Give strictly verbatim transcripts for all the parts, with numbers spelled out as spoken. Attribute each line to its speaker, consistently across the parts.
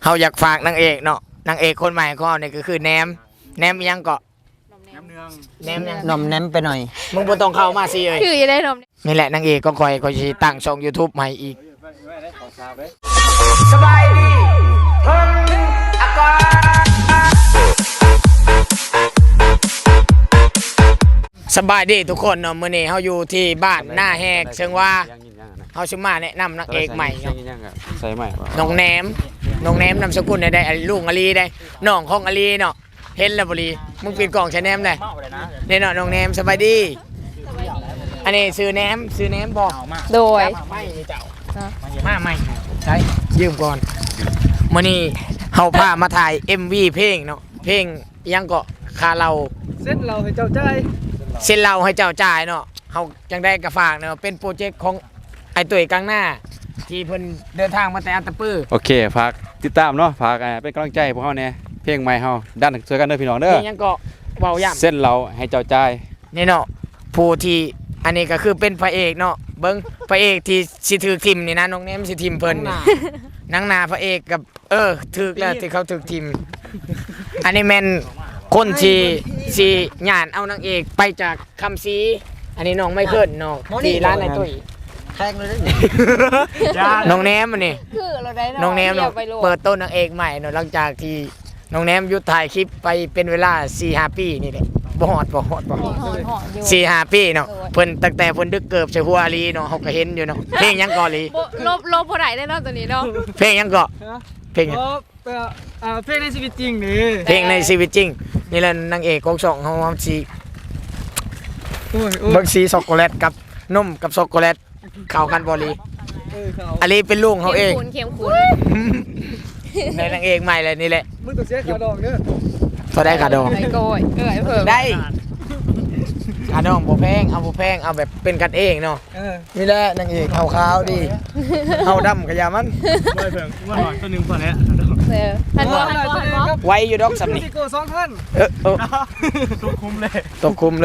Speaker 1: เขาอยากฝากนางเอกเนาะนางเอกคนใหม่ก็นี่ก็คือแหนมแหนมยังเกาะแหนมเนืองแหนมยัง
Speaker 2: นมแนมไปหน่อย
Speaker 1: มึงบ่ต้องเข้ามาสิเอ้ย
Speaker 3: คือจะได้นม
Speaker 1: นี่แหละนางเอกก็คอยก็สิตั้งช่อง YouTube ใหม่อีกสบายดีเพิ่นอากาสบายดีทุกคนเนาะมื้อนี้เฮาอยู่ที่บ้านหน้าแหกเชิงว่าเฮาสิมาแนะนำนางเอกใหม่เนาะ
Speaker 4: ใส่ใหม่
Speaker 1: น้องแหนมน้องแหนมนามสกุลได้ได้ลุงอลีได้น้องของอลีเนาะเห็นแล้วบ่ลีมึงปิดกล่องใช้แหนมได้นี่เนาะน้องแหนมสบายดีอันนี้ซื้อแหนมซื้อแหนมบ่
Speaker 3: โดย
Speaker 1: ไม่นี่เจ้ามาใหม่ใช่ยืมก่อนมื้อนี้เฮาพามาถ่าย เอ็ม วี เพลงเนาะเพลงยังก็คาเรา
Speaker 2: เส้นเราให้เจ้าใจ
Speaker 1: เส้นเราให้เจ้าจ่ายเนาะเฮาจังได้กระฝากเนาะเป็นโปรเจกต์ของไอ้ตุ้ยกลางหน้าที่เพิ่นเดินทางมาแต่อัตตปื้อ
Speaker 4: โอเคฝากติดตามเนาะฝากเป็นกำลังใจพวกเขาเนี่ยเพลงใหม่เฮาด้านช่วยกันเด้อพี่น้องเด้อ
Speaker 1: นี่ยังก็เว้าย่ำ
Speaker 4: เส้นเราให้เจ้าใจ
Speaker 1: นี่เนาะผู้ที่อันนี้ก็คือเป็นพระเอกเนาะเบิ้งพระเอกที่สิถือทิมนี่นะน้องเนมสิทิมเพิ่นนี่นางนาพระเอกกับเออถือแล้วที่เขาถือทิมอันนี้แม่นคนที่สิญาณเอานางเอกไปจากคำซีอันนี้น้องไม่เคินน้องที่ร้านไอ้ตุ้ย
Speaker 2: แทงเลย
Speaker 1: น้องแนมอันนี้
Speaker 3: คือเราได้
Speaker 1: น้องแนม
Speaker 3: เนา
Speaker 1: เนาะ
Speaker 3: ไปโลด
Speaker 1: เปิดต้นนางเอกใหม่เนาะหลังจากที่น้องแนมหยุดถ่ายคลิปไปเป็นเวลา สี่ห้า ปีนี่แหละบ่ฮอดบ่ฮอดบ่ฮอด
Speaker 3: หอนหอนอยู่
Speaker 1: สี่ห้าปีเนาะเพิ่นตั้งแต่เพิ่นดึกเกิบใส่หัวอาลีเนาะเฮาก็เห็นอยู่เนาะเพลงยังก่อลี
Speaker 3: บ่ลบลบพอไหนได้เนาะตัวนี้เนาะ
Speaker 1: เพลงยังก่อเพลงยัง
Speaker 2: โอ้เอ่อเพลงในชีวิตจริงนี่
Speaker 1: เพลงในชีวิตจริงนี่แหละนางเอกของช่องเฮาเฮาสิ
Speaker 2: โอ้ยโอ้ย
Speaker 1: เบิ่งสีช็อกโกแลตกับนมกับช็อกโกแลตเข้ากันบ่ลี
Speaker 2: เออเขา
Speaker 1: อาลีเป็นลุงเฮาเอง
Speaker 3: เข็มขุน
Speaker 1: ในนางเอกใหม่เลยนี่แหละ
Speaker 2: มึงต้องเสียค่าดอกเด้อ
Speaker 1: เท่าได้ค่าดอง
Speaker 3: ไอ้โกยเออไอ้เพิ่ม
Speaker 1: ได้ค่าดองบ่แพงเอาบ่แพงเอาแบบเป็นกันเองเนาะ
Speaker 2: เออ
Speaker 1: นี่แหละนางเอกขาวๆดีเฮาดำกะยามัน
Speaker 2: ไม่เพิ่งว่าหน่อยตัวนึงพอแล้ว
Speaker 3: เออทันบ่ทันบ่ทันบ่
Speaker 1: ไว้อยู่ดอกสำนี่
Speaker 2: พี่โกสองท่าน
Speaker 1: เออเออ
Speaker 2: ตัวคุ้มเลย
Speaker 1: ตกคุมเลย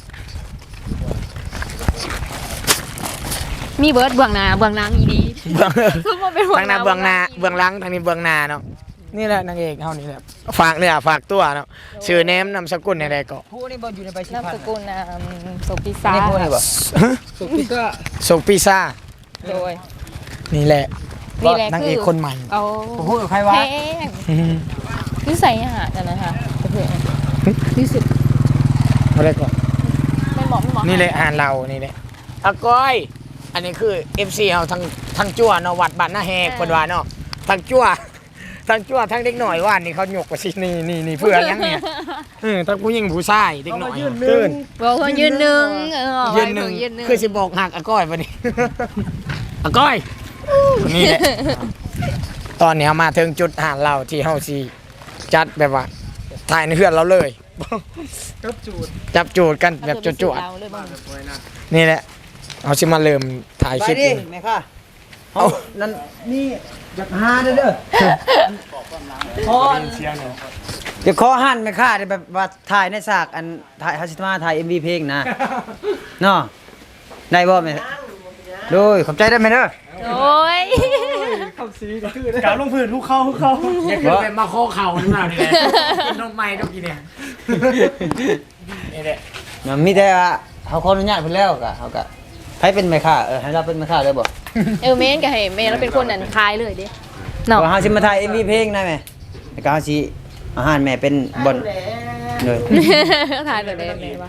Speaker 3: มีเบิร์ดเบื้องหน้าเบื้องหลังอีดี
Speaker 1: เบื้อง
Speaker 3: คือบ่เป็น
Speaker 1: ทางหน้าเบื้องหน้าเบื้องหลังทางนี้เบื้องหน้าเนาะนี่แหละนางเอกเฮานี่แหละฝากเนื้อฝากตัวเนาะชื่อแนมนามสกุลอะไรก็
Speaker 2: ผู้นี่บ่อยู่ในใบชิ
Speaker 3: นาม
Speaker 2: พัน
Speaker 3: สกุลนามโซปิซา
Speaker 2: นี่ผู้นี่บ่สุกิก้า
Speaker 1: โซปิซ่า
Speaker 3: โดย
Speaker 1: นี่แหละ
Speaker 3: นี่แหละ
Speaker 1: นางเอกคนใหม่
Speaker 3: เอา
Speaker 2: พูดกับใครวะ
Speaker 3: แพงนิสัยอาหารนั่นนะคะเพื่อนรู้สึก
Speaker 1: อะไรก็
Speaker 3: ไม่เหมาะไม่เหมาะ
Speaker 1: นี่แหละอ่านเรานี่แหละอาก้อยอันนี้คือ เอฟ ซี เฮาทั้งทั้งจั่วเนาะวัดบ้านหน้าแหกเพิ่นว่าเนาะทั้งจั่วทั้งจั่วทั้งเด็กหน่อยว่านนี่เขาหยกว่าสินี่นี่นี่เพื่อยังเนี่ยเออทั้งผู้หญิงผู้ชายเด็กหน่อยตื่น
Speaker 3: บอกคนยืนหนึ่งเออ
Speaker 1: ยืนหนึ่ง
Speaker 3: ยืนหนึ่ง
Speaker 1: คือสิบอกหักอาก้อยปะนี่ อาก้อยนี่แหละตอนนี้เฮามาถึงจุดหาเราที่เฮาสิจัดแบบว่าถ่ายในเฮือนเราเลย
Speaker 2: กับจูด
Speaker 1: จับจูดกันแบบจวด
Speaker 3: เอาเลยบ้าง
Speaker 1: ๆนี่แหละเฮาสิมาเริ่มถ่ายคลิปเอง
Speaker 2: แม่ค่ะ
Speaker 1: เอา
Speaker 2: นั่นนี่อยากหาเด้อเด้อพอเดี๋ยวขอหันแม่ค่ะเดี๋ยวแบบว่าถ่ายในฉากอันถ่ายฮัสิมาถ่าย เอ็ม วี เพลงนะเนาะได้บ่แม่โดยขอบใจได้ไหมเด้อ
Speaker 3: โอ้ย
Speaker 2: กาลงพื้นทุกเข้าทุกเข้า
Speaker 1: อย่าขึ้นไปมาโคเข่านี่มานี่แหละกินนมใหม่ต้องกินเนี่ยนี่แหละ
Speaker 2: มันมีแต่ว่าเขาขออนุญาตเพิ่นแล้วก็เขาก็ให้เป็นแม่ค้าเออให้เราเป็นแม่ค้าได้บ่
Speaker 3: เออเมนกับเฮเมนแล้วเป็นคนนันคายเลยดิเนาะ
Speaker 2: ว่าเฮาสิมาถ่าย เอ็ม วี เพลงได้ไหมแล้วก็เฮาสิอาหารแม่เป็นบ่อนเลย
Speaker 3: ทายเลยได้ไหมวะ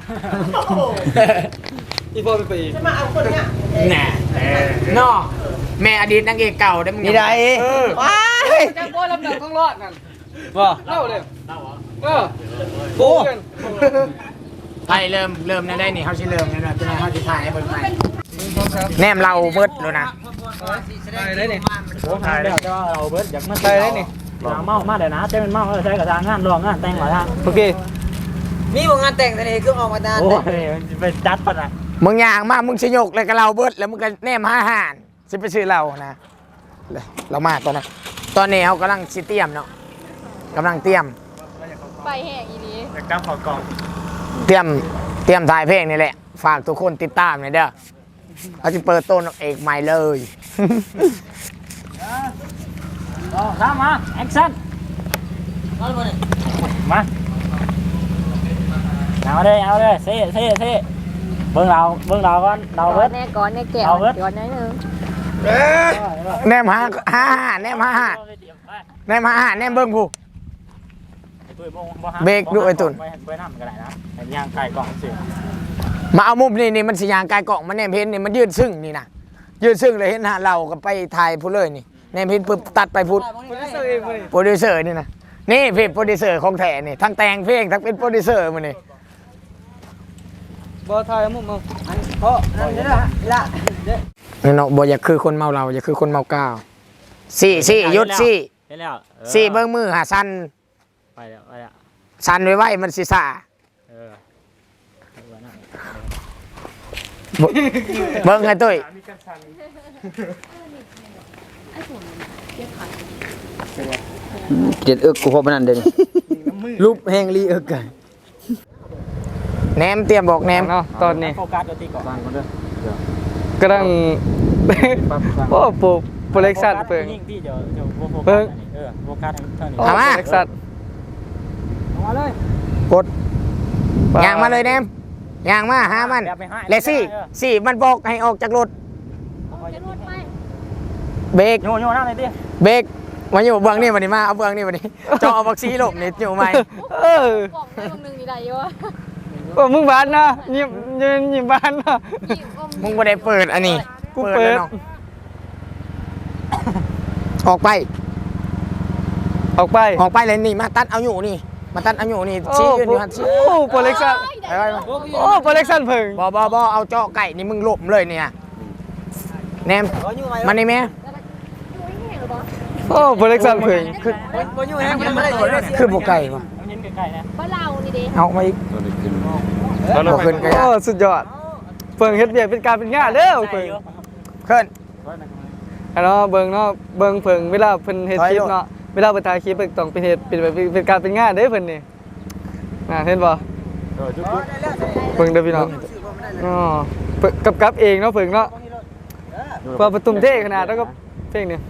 Speaker 2: อีพ่อไปอีก
Speaker 1: แน่เนาะแม่อดีตนางเอกเก่าได้มึง
Speaker 2: นี่ได้
Speaker 1: เออ
Speaker 2: ว้าย
Speaker 5: จังบ่ลำดับต้องรอดนั่น
Speaker 2: บ่
Speaker 5: เล่าเลยเล่าเหรอเออ
Speaker 2: โอ้
Speaker 1: ไปเริ่มเริ่มได้นี่เขาสิเริ่มแล้วนะเป็นไงเขาสิถ่ายให้เบิ่งใหม่แนมเราเบิดแล้วนะ
Speaker 2: ถ่ายได้นี่
Speaker 5: โอ้ถ่ายแล้วแต่ว่าเราเบิดอยากมา
Speaker 2: ถ่ายได้นี่
Speaker 5: อย่างเมามาเดี๋ยวนะเต้เป็นเมาเออใช้กับทางงานรองงานแต่งหลายทาง
Speaker 2: โอเคมีบ่งานแต่งแต่นี่คือออกมานาน
Speaker 5: โอ้ยไปจัดปะนะ
Speaker 1: มึงย่างมามึงสิยกเลยกับเราเบิดแล้วมึงก็แนมหาอาหารสิไปซื้อเรานะเรามาตอนนั้นตอนนี้เขากำลังสิเตรียมเนาะกำลังเตรียม
Speaker 3: ไปแห้งอีนี้
Speaker 5: อยากจับขอกล่อง
Speaker 1: เตรียมเตรียมถ่ายเพลงนี่แหละฝากทุกคนติดตามหน่อยเด้อเขาจะเปิดต้นเอกใหม่เลย
Speaker 5: สองสามมาแอคชั่นมาเอาเลยเอาเลยเซ่เซ่เซ่เบิ่งเราเบิ่งเราก่อนเราเบิด
Speaker 3: แน่ก่อนแน่แก้ว
Speaker 5: เอาเบิด
Speaker 3: ก่อนนิดนึง
Speaker 1: แนมหาห้าห้าแนมหาห้าแนมหาห้าแนมเบิ้งผู้ เบรกด้วยไอ้ตุ่น
Speaker 5: ไปไปน้ำก็ได้นะเห็นยางไก่กล่องสิ
Speaker 1: มาเอามุมนี่นี่มันสิยางกายกล่องมันแนมเพนนี่มันยืดซึ่งนี่นะยืดซึ่งเลยเห็นหาเราก็ไปถ่ายพูดเลยนี่แนมเพนปุ๊บตัดไปพูดโปรดิวเซอร์นี่นะนี่เพจโปรดิวเซอร์ของแท้นี่ทั้งแต่งเพลงทั้งเป็นโปรดิวเซอร์มันนี่
Speaker 2: บ่ทายมุมเอาอันเพราะนั่นเด้อละเด้อ
Speaker 1: นี่เนาะบ่อยากคือคนเมาเราอยากคือคนเมาก้าวสี่สี่หยุดสี่
Speaker 5: เห็นแล้ว
Speaker 1: สี่เบิ้งมือหาสัน
Speaker 5: ไปแล้วไปแล้ว
Speaker 1: สันไว้ไว้มันสิซ่า
Speaker 5: เออ
Speaker 1: บ่เบิ้งไงตุ้ย
Speaker 2: เจ็ดเอิกกูพบนั่นเด้อรูปแห้งลีเอิกกัน
Speaker 1: แหนมเตรียมบอกแหนม
Speaker 6: เนาะตอนนี้
Speaker 5: โฟกัสตัวตีก่อนฟังก่อนเด้อก
Speaker 6: ำลัง โอ้โปรโปรเล็กซันเปิง
Speaker 5: ยิ่งที่เดี๋ยวเดี๋ยวโฟกัส
Speaker 6: เบิ่ง
Speaker 5: เออโฟกัสเท่านี้
Speaker 6: โอ้โปรเล็กซัน
Speaker 5: มาเลย
Speaker 1: กดย่างมาเลยแหนมย่างมาหามันและสี่สี่มันบอกให้ออกจากรถเบรก
Speaker 5: โยนโยนน้ำเลยดิ
Speaker 1: เบรกมาอยู่เบื้องนี่วันนี้มาเอาเบื้องนี่วันนี้จอเอาบักซีหลบนี่อยู่ไหม
Speaker 6: เออก
Speaker 3: ล่องได้ตรงนึงนี่ได้อยู่วะ
Speaker 6: โอ้มึงบ้านนะยิ้มยิ้มยิ้มบ้านนะ
Speaker 3: นี่อม
Speaker 1: มึงไม่ได้เปิดอันนี้
Speaker 6: กูเปิด
Speaker 1: แล้วนาะออกไป
Speaker 6: ออกไป
Speaker 1: ออกไปเลยนี่มาตัดเอาอยู่นี่มาตัดเอาอยู่นี่
Speaker 6: โอ้
Speaker 1: ชี้ยืนอยู่หันชี้
Speaker 6: โอ้โปรเล็กซัน
Speaker 1: ไปไปไป
Speaker 6: โอ้โปรเล็กซันเพิ่ง
Speaker 1: บอบอบอเอาเจาะไก่นี่มึงหลบเลยเนี่ยแนมมานี่แม่
Speaker 6: โอ้โปรเล็กซันเพิ่ง
Speaker 1: คือ
Speaker 2: บ่อยู่แห้งมันบ่ได้เลย
Speaker 1: คือบุกไก่ปะ
Speaker 5: เอาเย็นใกล้ๆนะ
Speaker 3: บ้านเรานี่ดิ
Speaker 1: เอามาอีกเอาขึ้นไก่
Speaker 6: โอ้สุดยอดเพิ่งเฮ็ดเบียกเป็นการเป็นงานเด้อเพิ่ง
Speaker 1: ขึ้น
Speaker 6: อันเนาะเบิ่งเนาะเบิ่งเพิ่งเวลาเพิ่นเฮ็ดคลิปเนาะเวลาเพิ่นถ่ายคลิปเพิ่นต้องเป็นเฮ็ดเป็นแบบเป็นการเป็นงานเด้อเพิ่นนี่น่ะเห็นบ่เพิ่งเด้อพี่น้องอ๋อเพิ่นกับกับเองเนาะเพิ่งเนาะพอประตุมเท่ขนาดแล้วก็เพลงนี้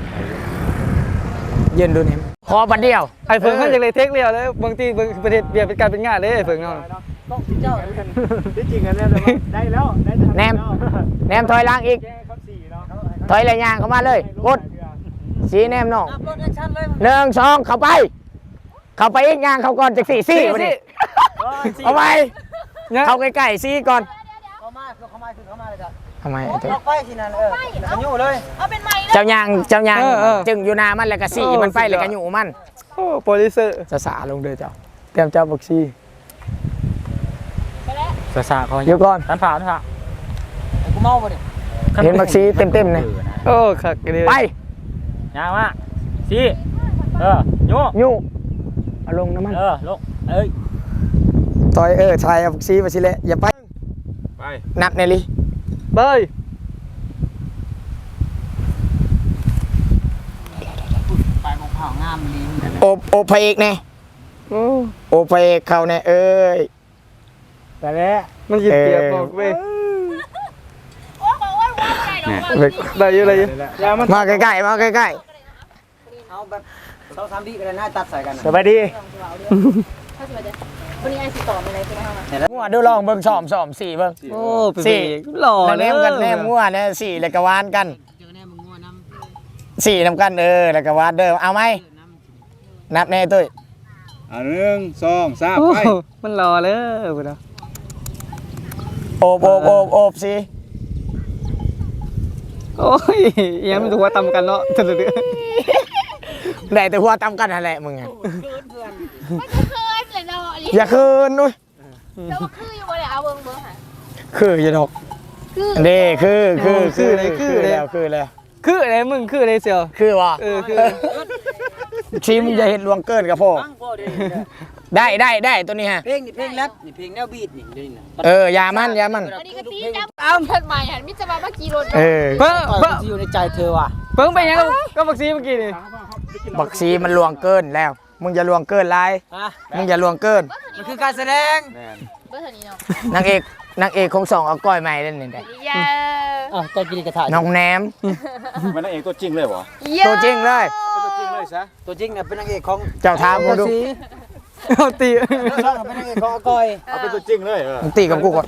Speaker 1: ยืนดูแนมคอบันเดียว
Speaker 6: ไอ้เพิ่งมันจังเลยเทคเรียวเลยบางทีเบิ่งประเทศเบียกเป็นการเป็นงานเด้ไอ้เพิ่งเนาะ
Speaker 5: ต้องเจ้าที่จริงกันเนี่ยได้แล้วได้ทำ
Speaker 1: แนมแนมถอยหล่างอีก
Speaker 5: แก้ครับสี่เนาะ
Speaker 1: ถอยเลยยางเข้ามาเลยกดสีแนมน้อง
Speaker 2: รถแอคชั่นเลย
Speaker 1: หนึ่งสองเข้าไป เข้าไปอีกยางเข้าก่อนจากสี่สี่มาดิเอาไป
Speaker 6: เนี่ย
Speaker 1: เข้าใกล้ๆสี่ก่อน
Speaker 2: เข้ามาเข้ามาเข้ามาเลยจ้ะ
Speaker 1: ทำไม
Speaker 2: ออกไปสินั่นเออกันอยู่เลย
Speaker 3: เอาเป็นไม้
Speaker 1: เจ้ายางเจ้ายางจึงอยู่นามันแล้วก็สี่มันไปแล้วก็อยู่มัน
Speaker 6: โอ้โปรดิวเซอร์
Speaker 1: จะสาลงเด้อเจ้าเตรียมเจ้าบักซี่
Speaker 5: สาสาเขา
Speaker 1: เดี๋ยวก่อน
Speaker 5: ตันผ่าตันผ่า
Speaker 2: กูเมาบ่ดิ
Speaker 1: เห็นบักซี่เต็มๆเนี่ย
Speaker 6: โอ้คักเลย
Speaker 1: ไป
Speaker 5: ยางมาสี่เออโย
Speaker 1: อยู่เอาลงน้ำมัน
Speaker 5: เออลงเอ้ย
Speaker 1: ต่อยเออชายเอาบักซี่มาสิเละอย่าไป
Speaker 4: ไป
Speaker 1: นับเนลี่
Speaker 6: ไป
Speaker 2: ไปมองเผางามลีน
Speaker 1: โอบโอบพระเอกแน่
Speaker 6: โอ้
Speaker 1: โอบพระเอกเขาแน่เอ้ย
Speaker 5: แต่แล้ว
Speaker 6: มันยิบเปียกบอกเว้ย
Speaker 3: โอ้บอกว่าว่าไงเราว่า
Speaker 6: ได้อยู่ได้อยู่
Speaker 5: ยางมัน
Speaker 1: มาใกล้ๆมาใกล้
Speaker 2: เอาแบบสองสามวิก็ได้น่าตัดใส่กัน
Speaker 5: สบายดี
Speaker 3: ถ้าสมมติวันนี้ไอ้สิต่อมาอะไรใช่ไหมคะ
Speaker 1: ๆงัวดูลองเบิ่งสอมสอมสี่เบิ่ง
Speaker 6: โอ้เป็นเอกหล่อ
Speaker 1: แล้ว
Speaker 6: เล
Speaker 1: แน
Speaker 6: ย
Speaker 1: มกันแนมงัวเนี่ยสี่แล้วก็วานกันสี่นำกันเออแล้วก็วานเด้อเอาไหมนับแน่ตุ้ย
Speaker 4: อ่ะหนึ่งสองสาม
Speaker 6: โอ้
Speaker 4: ไป
Speaker 6: มันหล่อเลยพุ่นน่ะ
Speaker 1: โอบโอบโอบโอบสิ
Speaker 6: โอ้ยเอียงมันถูกว่าตำกันเนาะเดือด
Speaker 1: ได้แต่หัวตำกันนั่นแหละมึงอะ
Speaker 3: ไม่เคยเลยเราอันนี้
Speaker 1: อย่าคืนนุ้ย
Speaker 3: เราก็คืออยู่บนเอาเบิ้งเบิ้งค่ะ
Speaker 1: คืออย่าดอก
Speaker 3: คือ
Speaker 1: เด้คือคือคือคือแล้วคือแล้ว
Speaker 6: คืออะไรมึงคืออะไรเสี่ยว
Speaker 1: คือวะ
Speaker 6: เออคือ
Speaker 1: ชิมอย่าเห็นลวงเกินกับพ่อ
Speaker 2: ตั้งพ่อดิ
Speaker 1: ได้ได้ได้ตัวนี้ฮะ
Speaker 2: เพลงนี่เพลงแรปนี่เพลงแนวบีทนี่นี่นะ
Speaker 1: เอออยามันอยามัน
Speaker 3: อันนี้ก็ตีจับอ้าวเพิ่นมาหันมิจะมาเมื่อกี้รถ
Speaker 1: เออ
Speaker 6: เพิ่ง
Speaker 2: เพิ่
Speaker 6: เพิ่ง
Speaker 2: งอยู่ในใจเธอว่ะ
Speaker 6: เพิ่งไปยังกับก็บักซีเมื่อกี้นี่
Speaker 1: บักซีมันลวงเกินแล้ว มึงอย่าลวงเกินไร
Speaker 2: อ่ะ
Speaker 1: มึงอย่าลวงเกิน
Speaker 2: มันคือการแสดง
Speaker 3: เบิ้งเท่านี้เนาะ
Speaker 1: นางเอกนางเอกคงสองเอาก้อยใหม่เล่นนี่ได้
Speaker 3: เย้
Speaker 2: อ่ะใจกินกระถาง
Speaker 1: น้องแหนม
Speaker 4: มันนั่นเองตัวจริงเลยเหรอ
Speaker 1: ตัวจริงเลย
Speaker 3: เ
Speaker 4: ซะ
Speaker 2: ตัวจริงเนี่ยเป็นนางเอกของ
Speaker 1: เจ้าทามบ่ดู
Speaker 6: เอาตี
Speaker 2: ช่องเป็นนางเอกของอาก้อย
Speaker 4: เอาเป็นตัวจริงเลยเออ
Speaker 1: มึงตีกับกูก่อน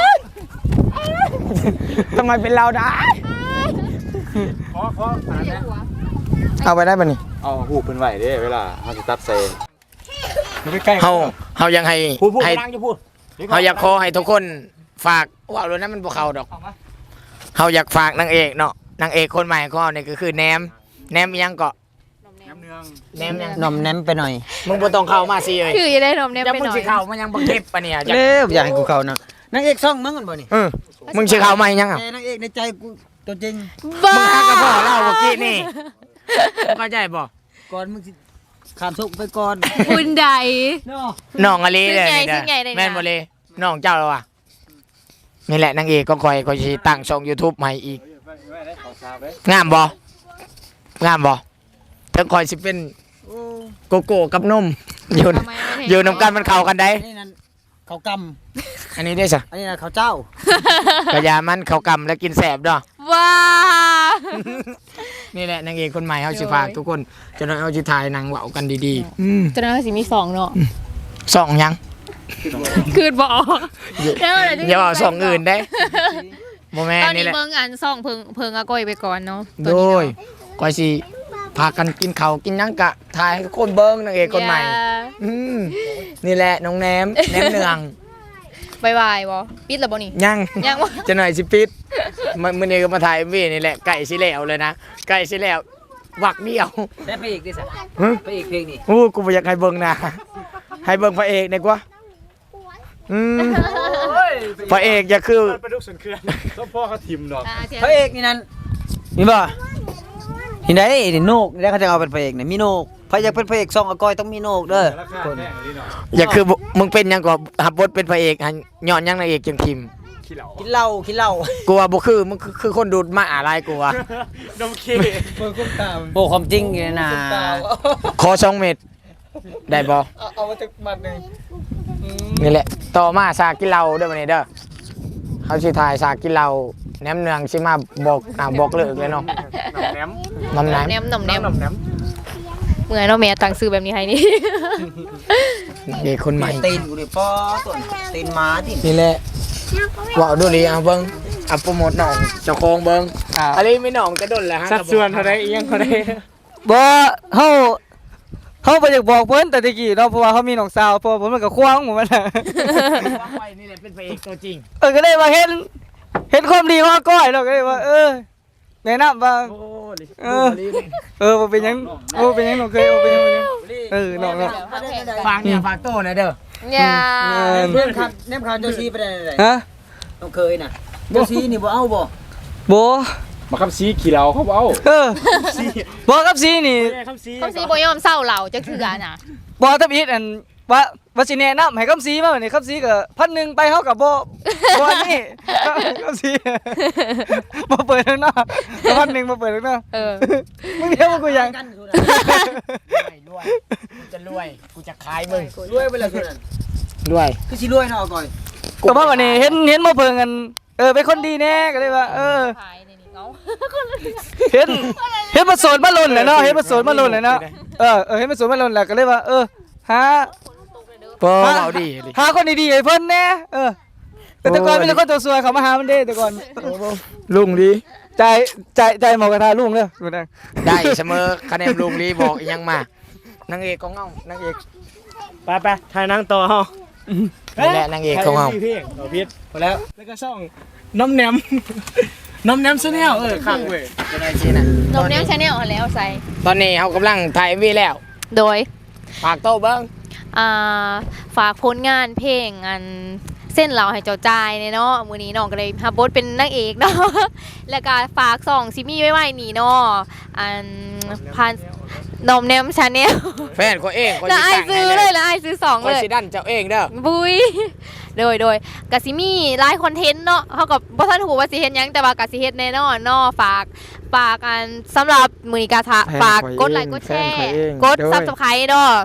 Speaker 1: ทำไมเป็นเราได้
Speaker 4: ขอขออันนั้นนะ
Speaker 1: เอาไปได้ป่ะนี่
Speaker 4: เอาหูเพิ่นไว้เด้เวลาเฮาสิตัดเซน
Speaker 1: เฮาเฮายังให้
Speaker 5: พูดพูด
Speaker 1: ให้
Speaker 5: นั่งจะพูด
Speaker 1: เฮาอยากขอให้ทุกคนฝากว่าเลยนะมันบ่เข้าดอกเฮาอยากฝากนางเอกเนาะนางเอกคนใหม่ของเราเนี่ยก็คือแหนมแหนมอิหยังเกาะ
Speaker 4: น้ำเนือง
Speaker 1: แหนมยัง
Speaker 2: หน่อมแนมไปหน่อย
Speaker 1: มึงบ่ต้องเข้ามาสิเอ้ย
Speaker 3: คือจะได้นมเนี่ย
Speaker 1: ยัง
Speaker 3: ไป
Speaker 1: มึ
Speaker 3: ห
Speaker 1: ง
Speaker 3: น่อ
Speaker 1: สิ
Speaker 3: ย
Speaker 1: เข้ามันยังบ่เก็บปะเนี่ยอยาก
Speaker 2: เร็วอยากให้กูเข้านะนางเอกช่องมึงกันบ่นี่
Speaker 1: เออมึงสิเข้ามาอีหยังอ่ะ
Speaker 2: แต่นางเอกในใจกูตัวจริง
Speaker 3: บ้า
Speaker 1: มึงฮักกับพ่อเล่าเมื่อกี้นี่มึงเข้าใจบ่
Speaker 2: ก่อนมึงสิขามทุกไปก่อน
Speaker 3: คุณใด
Speaker 2: เนาะ
Speaker 1: น้องอลีเลย
Speaker 3: ซึ่งไง
Speaker 1: นี่
Speaker 3: ซึ่งไง
Speaker 1: เด้อ
Speaker 3: เลยนะ
Speaker 1: แม่นบ่เลยน้องเจ้าแล้วว่ะนี่แหละนางเอกก็คอยคอยสิตั้งช่อง YouTube ใหม่อีก
Speaker 4: ไว้ได้ขอทราบเด้
Speaker 1: งามบ่งามบ่ถึงคอยสิเป็นโกโก้กับนมอยู่
Speaker 3: ทำไมไม่เห็น
Speaker 1: อยู่นำกันมันเข้ากันได้
Speaker 2: อันนี้นั่นเขาก
Speaker 1: อันนี้ได้ซะ
Speaker 2: ำอันนี้นั่นเขาเจ้า
Speaker 1: กะยามันเข้ากำแล้วกินแสบดอก
Speaker 3: ว้า
Speaker 1: นี่แหละนางเอกคนใหม่เฮาสิฝากทุกคนจะได้เอาสิถ่ายหนังเว้ากันดีๆอืม
Speaker 3: จะน่าสิมีสองเนาะ
Speaker 1: สองหยัง
Speaker 3: คืนบอกเดี๋ยวเดี๋ยวจะ
Speaker 1: อย่าเอาสองอื่นได้บ่แม่น
Speaker 3: ตอน
Speaker 1: นี่
Speaker 3: นี้
Speaker 1: แหละ
Speaker 3: เบิ่งอันซ่องเพิงเพิงอาก้อยไปก่อนเนาะ
Speaker 1: โดยก็สิพากันกินข้าวกินหยังกะถ่ายให้ทุกคนเบิ่งนางเอกคนใหม่ อืมนี่แหละน้องแหนมแหนมเนือง
Speaker 3: บายบายบ่ปิดแล้วบ่นี่
Speaker 1: ยัง
Speaker 3: ยังบ่
Speaker 1: จะหน่อยสิปิดมันมื้อนี้ก็มาถ่าย เอ็ม วี นี่แหละไก่สิแล้วเลยนะไก่สิแล้ววักเดียว
Speaker 2: ได้พระเอกดิสะ
Speaker 1: หึ
Speaker 2: พระเอกเพลงนี่
Speaker 1: โอ้กูบ่อยากให้เบิ่งนะให้เบิ่งพระเอกดีกว่าอืมพระเอกอย่าคือ
Speaker 4: ปลาดุกสันเขื่อนต้องพ่อเขาทิมดอก
Speaker 3: อ่าเทียน
Speaker 2: พระเอกนี่นั่นมีบ่ที่ไหนนี่โนกแล้วเขาจะเอาเป็นพระเอกเนี่ยมีโนกพระอยากเป็นพระเอกช่องอาก้อยต้องมีโนกเด้อ
Speaker 4: ราคาแพงดีหน่อย
Speaker 1: อย่าคือมึงเป็นหยังก็หับบทเป็นพระเอกหันย้อนหยังนางเอกจังคิม
Speaker 4: ขี้เหล่า
Speaker 2: กินเหล้ากินเหล้า
Speaker 1: กูว่าบ่คือมึงคือคือคนดูดมาอะไรกูว่า
Speaker 4: ดมขี้
Speaker 6: เบิ่งคุ้มตาม
Speaker 2: โอ้ความจริงอยู่นะ
Speaker 1: ขอสองเม็ดได้บ่
Speaker 6: เอาเอามาจากมัดหนึง
Speaker 1: นี่แหละต่อมาสากินเหล้าเด้อบัดนี้เด้อเฮาสิถ่ายสากินเหล้าแหนมเนืองสิมาบอกอ่าบอกเลิกเลยเนาะ
Speaker 4: แหนม
Speaker 1: น้ำน้
Speaker 3: แนมหน่อมแนม
Speaker 4: น้ำแหนม
Speaker 3: เหมือนเนาะแม่ตั้งซื้อแบบนี้ให้นี่
Speaker 1: ำนางเอกคนใหม่
Speaker 2: ตีนกูดิป้อต้นตีนหมาที่
Speaker 1: นี่แหละว่าวดูดิเอาเบิ่งเอาโปรโมทหน่องเจ้าของเบิ่ง
Speaker 6: อ่า
Speaker 1: อันนี้ไม่หน่องจะดนแหละฮะ
Speaker 6: สัดส่วนเท่าใดอีหยังเท่าใดบ่เฮาเฮาบ่อยากบอกเพิ่นแต่ตะกี้เนาะเพราะว่าเขามีน้องสาวเพราะว่าผมมันก็ควางหมู่มันน่ะ
Speaker 1: ว่าไปนี่แหละเป็นพระเอกตัวจริง
Speaker 6: เออก็เลยว่าเห็นเห็นความดีของอาก้อยเราก็เลยว่าเออแนะนำว่า
Speaker 1: โอ้ดิ
Speaker 6: เออ เออบ่เป็นหยังโอ้เป็นหยังน้องเคยโอ้เป็นหยังเป็นหยังเออน้องเนาะ
Speaker 1: ฝากเนี่ยฝากโต้หนะเด้อ
Speaker 3: อย่า
Speaker 2: เพื่อนครับแนมข่าวเจ้าซีไปได้ไหน
Speaker 6: ฮะ
Speaker 2: ต้องเคยน่ะเจ้าซีนี่บ่เอาบ่
Speaker 6: บ่
Speaker 4: มาขับซีขี้เหล่าเขาเอา
Speaker 6: เออบ่กับซีนี่
Speaker 4: ขับซี
Speaker 3: เขาสิบ่ยอมเศร้าเหล่าจักเทื่อน่ะ
Speaker 6: บ่ทับอีทอันว่าว่าสิแนะนำให้กับซีมาบัดนี้กับซีก็พันหนึ่งไปเฮาก็บ่บ่อันนี่กับซีบ่เปิดข้างนอกพันหนึ่งบ่เปิดข้างนอก
Speaker 3: เออ
Speaker 6: มึงเดี๋ยวมึงกูยัง
Speaker 2: กันคือ
Speaker 1: รวยกูจะรวยกูจะขายมึง
Speaker 2: รวยไปแล้วคือนั่น
Speaker 1: รวย
Speaker 2: คือสิรวยเนาะอาก้อย
Speaker 6: ก็ว่าวันนี้เห็นเห็นมาเพิ่งกันเออเป็นคนดีแน่ก็เลยว่าเออ
Speaker 3: ขายในนี้เขา
Speaker 6: เห็นเห็นมาโสดมาลนแหละเนาะเห็นมาโสดมาลนแหละเนาะเออเออเห็นมาโสดมาลนแหละก็เลยว่าเออหา
Speaker 1: เปิ้ลเอาดีดิ
Speaker 6: หาคนดีๆให้เพิ่นแน่เออแต่แต่ก่อนมีแต่คนตัวสวยเขามาหามันเด้แต่ก่อน
Speaker 1: ลุงดี
Speaker 6: ใจใจใจหมอกระทาลุงเด้อดูนั่ง
Speaker 1: ได้เสมอคะแนนลุงดีบอกอีกยังมานางเอกของเงานางเอก
Speaker 5: ไปไปถ่ายหนังต่อเฮา
Speaker 1: นี่แหละนางเอกของเงา
Speaker 5: พี่เอาพิษพอแล้วแล้วก็ช่องน้ำแหนมน้ำแหนมซะแนวเออข้างเว้ย
Speaker 1: จะได้สินะ
Speaker 3: นมแนวชาแนลแล้วใส่
Speaker 1: ตอนนี้เขากำลังถ่าย เอ็ม วี แล้ว
Speaker 3: โดย
Speaker 1: ฝากโต้เบิ้ง
Speaker 3: อ่าฝากผลงานเพลงอันเส้นเราให้เจ้าจ่ายเนี่ยเนาะมื้อนี้น้องก็เลยรับบทเป็นนางเอกเนาะ แล้วก็ฝากส่องซิมี่ไว้ไว้นี่เนาะอันพันนมแนมชาแนล
Speaker 1: แฟนคนเองคน
Speaker 3: แล้ว
Speaker 1: ที่
Speaker 3: ไอาย
Speaker 1: สั่ง
Speaker 3: ซื้
Speaker 1: ให้
Speaker 3: อ
Speaker 1: เล
Speaker 3: เลย ยแล้วไอายซื้อสอง
Speaker 1: คน
Speaker 3: เลย
Speaker 1: สิดันเจ้าเองเด้อ
Speaker 3: บุย โดยโดยกะซิมีไลฟ์คอนเทนต์เนาะเขากับบ่ทันหูว่าสิเฮ็ดหยังแต่ว่ากะสิเฮ็ดแน่นอนเนาะฝากฝากอันสำหรับมื้อนี้กะทะฝากกดไลค์กดแชร์กด Subscribe เนาะ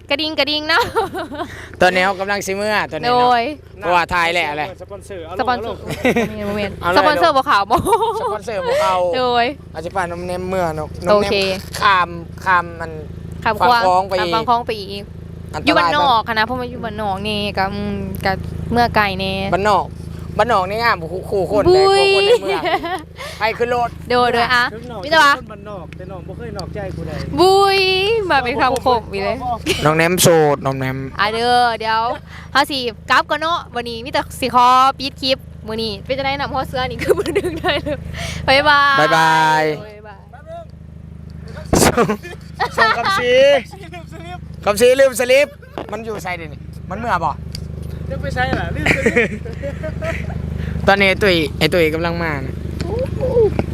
Speaker 3: กระดิ่งกระดิ่งเนาะ
Speaker 1: ตอนนี้เขากำลังซิเมื่อตอน
Speaker 3: โด
Speaker 1: นี้เนาะ
Speaker 3: ย
Speaker 1: เพราะว่าทายแหละอะไร
Speaker 5: สปอนเซอร์เอา
Speaker 3: ส
Speaker 5: ลง
Speaker 3: ปอน
Speaker 5: เอา
Speaker 3: เซ
Speaker 5: ล
Speaker 3: อร์
Speaker 5: ง
Speaker 3: โมเมนต์
Speaker 1: เอาเลย
Speaker 3: สปอนเซอร์บ่ขาวบ่
Speaker 1: สปอนเซอร์พวกเอา
Speaker 3: โดย
Speaker 1: อาจจะป่านน้ำเนมเมื่อนก
Speaker 3: โอเค
Speaker 1: คามคามมัน
Speaker 3: คำควาง
Speaker 1: ฟังคล้องไปอีก
Speaker 3: ฟังคล้องไปอีก
Speaker 1: อันต
Speaker 3: อยู่บ้าร
Speaker 1: าน ย
Speaker 3: นอกค่ะนะเพราะว่าอยู่บ้านนอกนี่ก็อืมก็เมื่อไก่แน่
Speaker 1: บ้านนอกบ้านนอกนี่งามคู่คู่คน
Speaker 3: บุ
Speaker 1: เลย
Speaker 3: ย
Speaker 1: คู่คนในเมืองไปขึ้นรถ
Speaker 3: โดยโดยอ่ะ
Speaker 5: ถึงหนอก
Speaker 3: มิตรวะ
Speaker 5: คนบ้านนอกแต่น้องบ่เคยนอกใจกูได้
Speaker 3: บุยมาเป็นคำคมอีกเลย
Speaker 1: น้องแนมโสดน้องแนม
Speaker 3: อ่ะเด้อเดี๋ยวเฮาสิกลับก่อนเนาะวันนี้มีแต่สิขอปิดคลิปมื้อนี้เป็นจังได๋นำฮอดเสื้อนี่คือบ่ดึงได้เลยบ๊ายบาย
Speaker 1: บ๊ายบาย
Speaker 3: บ๊ายบาย
Speaker 1: ส่งคำซีคำซีลืมสลิปมันอยู่ใส่ดินี่มันเมื่อบ่
Speaker 5: จะไปใช้ล่ะรีบ
Speaker 1: ตอนนี้ไอ้ตุ้ยไอ้ตุ้ยกำลังมานะ